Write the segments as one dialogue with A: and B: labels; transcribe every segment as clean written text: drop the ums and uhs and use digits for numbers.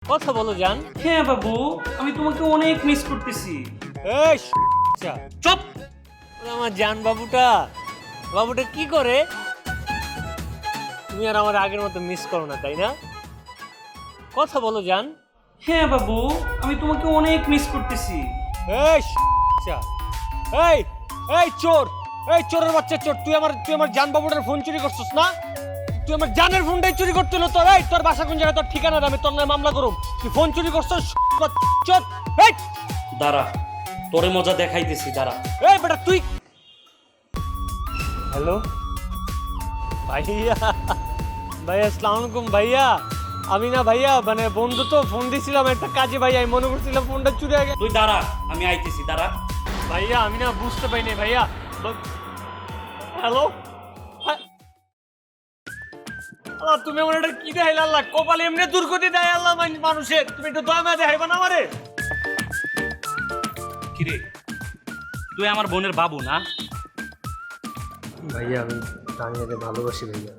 A: কথা বলো জান।
B: হ্যাঁ বাবু, আমি তোমাকে অনেক মিস করতেছি।
A: এই চুপ। আমার জান বাবুটা বাবুটা কি করে? তুমি আর আমার আগের মতো মিস করো না, তাই না? কথা বলো জান।
B: হ্যাঁ বাবু, আমি তোমাকে অনেক মিস করতেছি।
A: এই এই এই চোর, এই চোরের বাচ্চা চোর, তুই আমার জান বাবুটার ফোন চুরি করছিস না? তুই আমার জানের ফোনটাই চুরি করতে হলো তোর। এই তোর বাসা কোন জায়গায়, তোর ঠিকানা দে, আমি তোর নামে মামলা করুম। তুই ফোন চুরি করছিস চোর। এই
B: দাঁড়া, তোরে মজা দেখাইতেছি, দাঁড়া।
A: এই বেটা তুই। হ্যালো ভাইয়া, ভাইয়া আসসালামু আলাইকুম ভাইয়া। আমি না ভাইয়া মানে বন্ধু তো ফোন দিছিলাম একটা কাজে ভাইয়া, আমি মনে করছিলাম ফোনটা চুরি হয়ে গেছে।
B: তুই দাঁড়া, আমি আইতেছি, দাঁড়া।
A: ভাইয়া আমি না বুঝতে পারিনি ভাইয়া। হ্যালো আল্লাহ, তুমি আমার এটা কি দেখাইলে আল্লাহ? কপালে এমনি দুর্গতি দেয় আল্লাহ মানুষের, তুমি একটু দয়া মায়া দেখাইবা না আমারে?
B: কিরে, তুই আমার বোনের বাবু না?
A: ভাইয়া আমি তানিয়াকে ভালোবাসি ভাইয়া।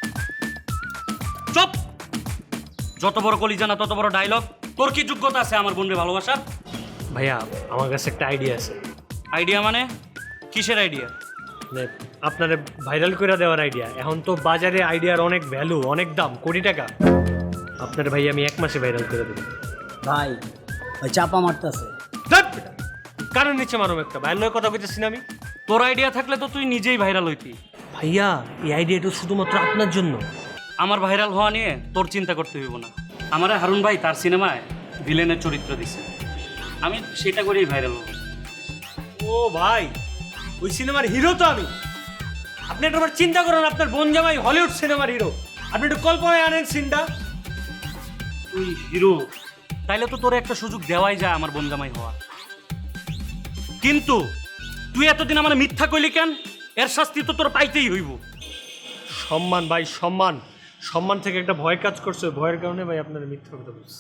B: চুপ! যত বড় কলিজা না তত বড় ডায়লগ। তোর কি যোগ্যতা আছে আমার বোনের ভালোবাসার?
A: ভাইয়া আমার কাছে একটা আইডিয়া আছে।
B: আইডিয়া মানে? কিসের আইডিয়া?
A: মানে আপনারে ভাইরাল করে দেওয়ার আইডিয়া। এখন তো বাজারে আইডিয়ার অনেক ভ্যালু, অনেক দাম, কোটি টাকা। আপনার ভাই আমি 1 মাসে ভাইরাল করে দেবো।
C: ভাই ওই চাপা মারতেছে।
A: কারণ নিচে মারুম একটা ভাইরাল কথা কইতেছি না আমি।
B: তোর আইডিয়া থাকলে তো তুই নিজেই ভাইরাল হইতি।
A: ভাইয়া এই আইডিয়াটা শুধুমাত্র আপনার জন্য।
B: আমার ভাইরাল হওয়া নিয়ে তোর চিন্তা করতে হইব না। আমার হারুন ভাই তার সিনেমায় ভিলেনের চরিত্র দিছে, আমি সেটা করেই ভাইরাল হব।
A: ও ভাই, ওই সিনেমার হিরো তো আমি। আপনি একবার চিন্তা করেন, আপনার বোন জামাই হলিউড সিনেমার হিরো, আপনি একটু কল্পনায় আনেন সিনটা।
B: তুই হিরো, তাইলে তো তোর একটা সুযোগ দেওয়াই যায় আমার বোন জামাই হওয়া। কিন্তু তুই এতদিন আমার মিথ্যা কইলি কেন? এর শাস্তি তো তোর পাইতেই হইব।
A: সম্মান ভাই, সম্মান। সম্মান থেকে একটা ভয় কাজ করছে, ভয়ের কারণে ভাই আপনার মিথ্যা কথা বলছি।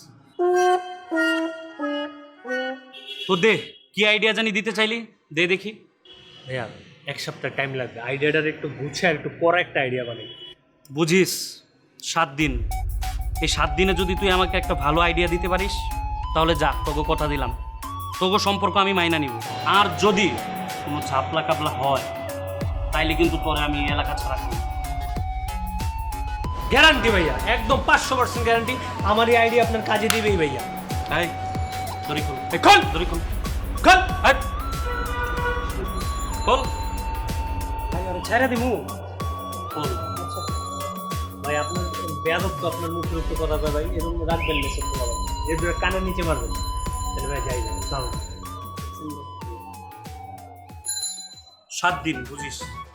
B: তো দে, কি আইডিয়া জানি দিতে চাইলি, দে দেখি।
A: ভাইয়া 1 সপ্তাহ টাইম লাগবে, আইডিয়াটার একটু গুছিয়ে একটু পরে একটা আইডিয়া বানাই।
B: বুঝিস, 7 দিন। এই 7 দিনে যদি তুই আমাকে একটা ভালো আইডিয়া দিতে পারিস তাহলে যা, তোকে কথা দিলাম, তোকে সম্পর্ক আমি মাইনা নিব। আর যদি কোনো ঝাপলা কাপলা হয় তাইলে কিন্তু পরে আমি এলাকা ছাড়া করি।
A: গ্যারান্টি ভাইয়া, একদম 500% গ্যারান্টি। আমার এই আইডিয়া আপনার কাজে দিবেই ভাইয়া।
B: তাই দড়ি খোল,
A: খোল
B: দড়ি খোল,
A: খোল
B: হাট খোল,
C: ভাই ওরা ছেড়ে দিমু।
B: খোল।
A: ভাই আপনার বেয়াদব তো, আপনার মুখের উপর কথা কয় ভাই, এরকম রাখবেন না সত্য কথা। এর দুটো কানের নিচে মারবেন। তাহলে ভাই যাই যাই।
B: 7 দিন বুঝিস।